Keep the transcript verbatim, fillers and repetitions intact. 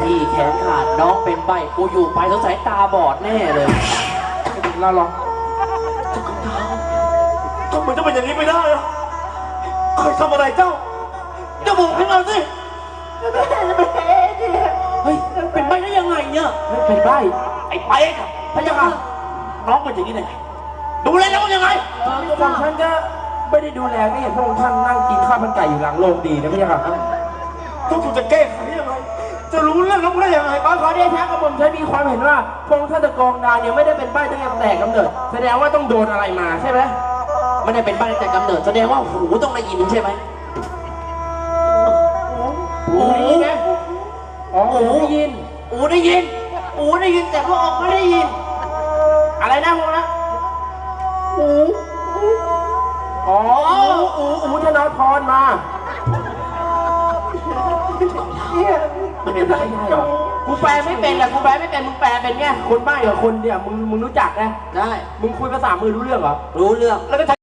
พี่แขนขาดน้องเป็นใบกูอยู่ไปสงสัยตาบอดแน่เลยเราหรอเจ้าของดาวทำไมจะเป็นอย่างนี้ไม่ได้อะใครทำอะไรเจ้าเจ้าบอกให้เราสิเฮ้ยเป็นใบได้ยังไงเนี่ยเป็นใบไอ้ไปครับพระเจ้าค่ะน้องเป็นอย่างนี้ได้ไงดูแลน้องยังไงเออก็ท่านก็ไม่ได้ดูแลก็เห็นพระองค์ท่านนั่งกินข้าวมันไก่อยู่หลังโรงดีนะพี่ค่ะต้องถูกจะแก้ไขยังไงจะรู้เรื่องน้องได้ยังไงบ้างขอเดชะกระผมใช้มีความเห็นว่าพระองค์ท่านตะกองดาวเนี่ยไม่ได้เป็นใบ้ตั้งแต่กำเนิดแสดงว่าต้องโดนอะไรมาใช่ไหมไม่ได้เป็นใบตั้งแต่กำเนิดแสดงว่าหูต้องได้ยินใช่ไหมหูได้ยินไหมอ๋อหูได้ยินหูได้ยินหูได้ยินแต่พระองค์ไม่ได้ยินอะไรนะพวกนะหูอ๋ออูอูธนาธรมามันเป็นไปได้หรอกูแปลไม่เป็นแหละกูแปลไม่เป็นมึงแปลเป็นไงคนบ้ากับคนเดียวมึงมึงรู้จักนะได้มึงคุยภาษามือรู้เรื่องเหรอรู้เรื่องแล้วก็